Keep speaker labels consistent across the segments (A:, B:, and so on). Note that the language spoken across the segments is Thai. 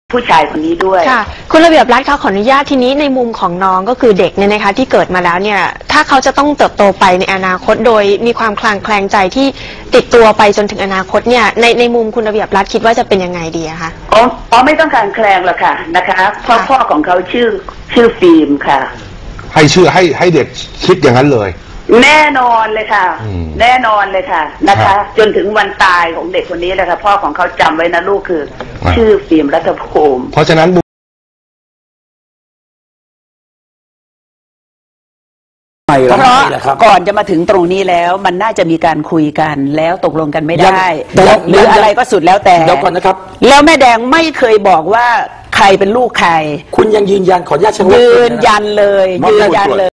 A: ผู้ชายคนนี้ด้วย
B: ค่ะคุณระเบียบรัฐคะขออนุญาตทีนี้ในมุมของน้องก็คือเด็กเนี่ยนะคะที่เกิดมาแล้วเนี่ยถ้าเขาจะต้องเติบโตไปในอนาคตโดยมีความคลางแคลงใจที่ติดตัวไปจนถึงอนาคตเนี่ยในมุมคุณระเบียบรัฐคิดว่าจะเป็นยังไงดีอะคะ
A: อ๋อไม่ต้องการแคลงหรอกค่ะนะคะเพราะพ่อของเขาชื่อฟิล์มค่ะ
C: ให้เด็กคิดอย่างนั้นเลย
A: แน่นอนเลยค่ะแน่นอนเลยค่ะนะคะจนถึงวันตายของเด็กคนนี้เลยค่ะพ่อของเขาจำไว้นะลูกคือชื่อฟิล์มรัฐภูมิ
C: เพราะฉะนั้น
D: เพราะก่อนจะมาถึงตรงนี้แล้วมันน่าจะมีการคุยกันแล้วตกลงกันไม่ได้หรืออะไรก็สุดแล้วแต่
E: เดี๋ยวก่อนนะครับ
D: แล้วแม่แดงไม่เคยบอกว่าใครเป็นลูกใคร
E: คุณยังยืนยันขออนุญาต
D: ยืนยันเลยยืนยันเลย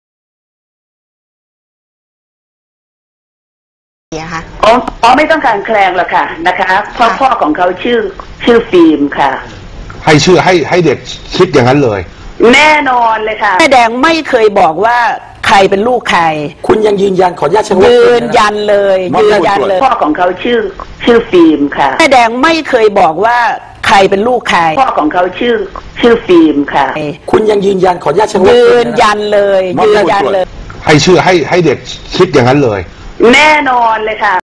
A: อ๋อไม่ต้องการแคลงหรอกค่ะนะคะเพราะพ่อของเขาชื่อฟิล์มค่ะ
C: ให้เด็กคิดอย่างนั้นเลย
A: แน่นอนเลยค่ะ
D: แม่แดงไม่เคยบอกว่าใครเป็นลูกใคร
E: คุณยังยืนยันขออนุญาต
D: ยืนยันเลยยืนยันเลย
A: พ่อของเขาชื่อฟิล์มค่ะ
D: แม่แดงไม่เคยบอกว่าใครเป็นลูกใคร
A: พ่อของเขาชื่อฟิล์มค่ะ
E: คุณยังยืนยันขออนุญาต
D: ยืนยันเลยยืนยันเลย
C: ให้เด็กคิดอย่างนั้นเลย
A: แน่นอนเลยค่ะ